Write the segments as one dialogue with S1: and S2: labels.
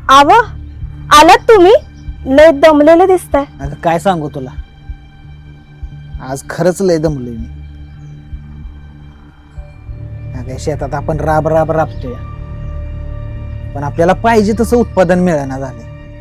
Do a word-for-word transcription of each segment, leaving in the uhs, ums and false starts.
S1: आव आलात तुम्ही? लय दमलेले दिसताय.
S2: अगं काय सांगू तुला, आज खरंच लय दमलोय मी. अगं शेतात आपण राब राब राबतोय, पण आपल्याला पाहिजे तसं उत्पादन मिळेना झालंय.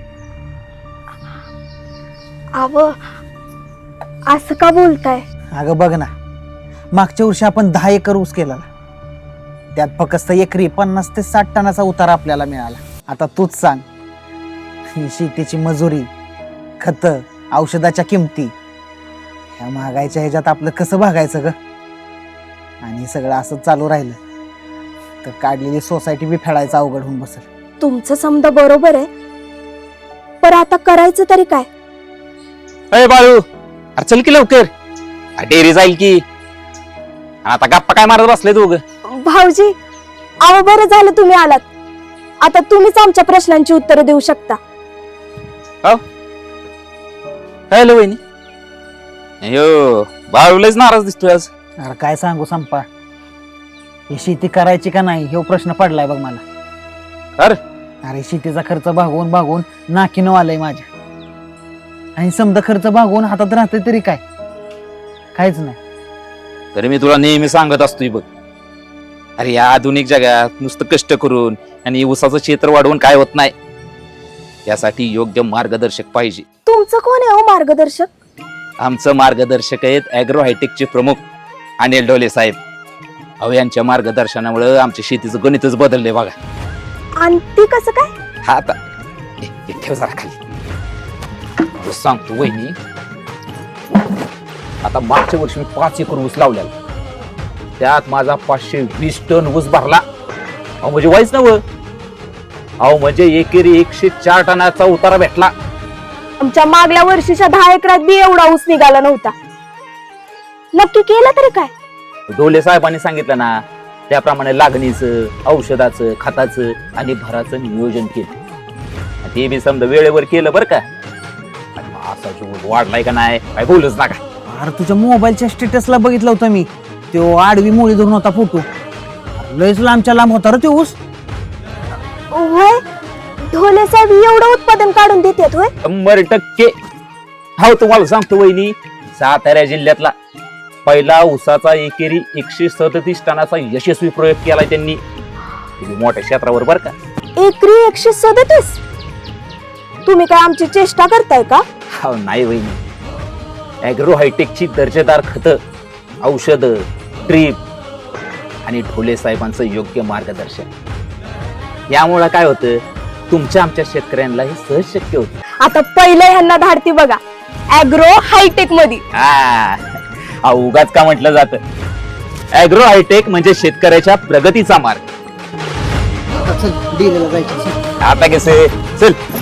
S1: आव असं का बोलताय?
S2: अगं बघ ना, मागच्या वर्षी आपण दहा एकर ऊस केला, त्यात फक्त एकरी पन्नास ते साठ टनाचा उतारा आपल्याला मिळाला. आता तूच सांग, ही शेतीची मजुरी, खत, औषधाच्या किमती, ह्या महागाईच्या ह्याच्यात आपलं कसं भागायचं ग? आणि सगळं असं चालू राहिलं तर काढलेली सोसायटी बी फेडायचं अवघड होऊन बसेल.
S1: तुमचं समजा बरोबर आहे, पण आता करायचं तरी काय?
S3: अरे बाळू, अरे चल की लवकर, डेअरी जाईल की. आता गप्पा काय मारत बसले दोघं?
S1: भाऊजी, अहो बरं झालं तुम्ही आलात. आता तुम्हीच आमच्या प्रश्नांची उत्तरं देऊ शकता.
S3: हॅलो वहिनी. अयो बाळू लयच नाराज दिसतोय आज.
S2: अरे काय सांगू संपा, ही शेती करायची का नाही हे प्रश्न पडलाय बघ मला.
S3: अरे
S2: अरे शेतीचा खर्च भागवून भागवून नाकीनं आलंय माझ्या, आणि समजा खर्च भागवून हातात राहतोय तरी काय, काहीच नाही.
S3: तरी मी तुला नेहमी सांगत असतोय बघ, अरे या आधुनिक जगात नुसतं कष्ट करून आणि ऊसाचं क्षेत्र वाढवून काय होत नाही. यासाठी योग्य मार्गदर्शक पाहिजे.
S1: तुमचं कोण आहे हो मार्गदर्शक?
S3: आमचं मार्गदर्शक आहेत ॲग्रो हायटेकचे प्रमुख अनिल ढोले साहेब. अहो यांच्या मार्गदर्शनामुळे आमच्या शेतीचं गणितच बदललंय बघा.
S1: आणि ती कसं काय?
S3: हा आता ए, ए, ठेव जरा खाली. सांगतो वहिनी, आता मागच्या वर्षी मी पाच एकर ऊस लावलेला, त्यात माझा पाचशे वीस टन ऊस भरला. अहो म्हणजे वाईच नव, अहो म्हणजे एकेरी एकशे चार टनाचा उतारा भेटला.
S1: आमच्या मागल्या वर्षीच्या दहा एकरात बी एवढा ऊस निघाला नव्हता. नक्की केलं तरी काय?
S3: ढोले साहेबांनी सांगितलं ना, त्याप्रमाणे लागणीचं, औषधाचं, खताचं आणि भराचं नियोजन केलं. ते बी समजा वेळेवर केलं बरं का. आणि असा जो वाढलाय का नाही काय बोलूच नका.
S2: अरे तुझ्या मोबाईलच्या स्टेटसला बघितलं होतं मी, तो आडवी मोळी धरून होता फोटो. लयच लांबच्या लांब होता रे तो ऊस.
S1: होय, ढोले साहेब एवढं उत्पादन काढून देतात होय?
S3: शंभर टक्के. हो तुम्हाला सांगतो वहिनी, सातारा जिल्ह्यातला पहिला ऊसाचा एकेरी एकशे सदतीस टनाचा यशस्वी प्रयोग केलाय त्यांनी, मोठ्या क्षेत्रावर बर का.
S1: एकरी एकशे सदतीस? तुम्ही काय आमची चेष्टा करताय का?
S3: हो नाही वहिनी, ॲग्रो हायटेकची दर्जेदार खत, औषध, ड्रीप आणि ढोले साहेबांचं योग्य मार्गदर्शन यामुळे काय होतं, तुमच्या आमच्या शेतकऱ्यांना हे सहज शक्य होतं.
S1: आता पहिलं ह्यांना धाडती बघा ॲग्रो हायटेक मध्ये.
S3: हा उगाच का म्हटलं जातं, ॲग्रो हायटेक म्हणजे शेतकऱ्याच्या प्रगतीचा मार्ग.
S2: चल, डेअरीला जायचं.
S3: आता कसे चल.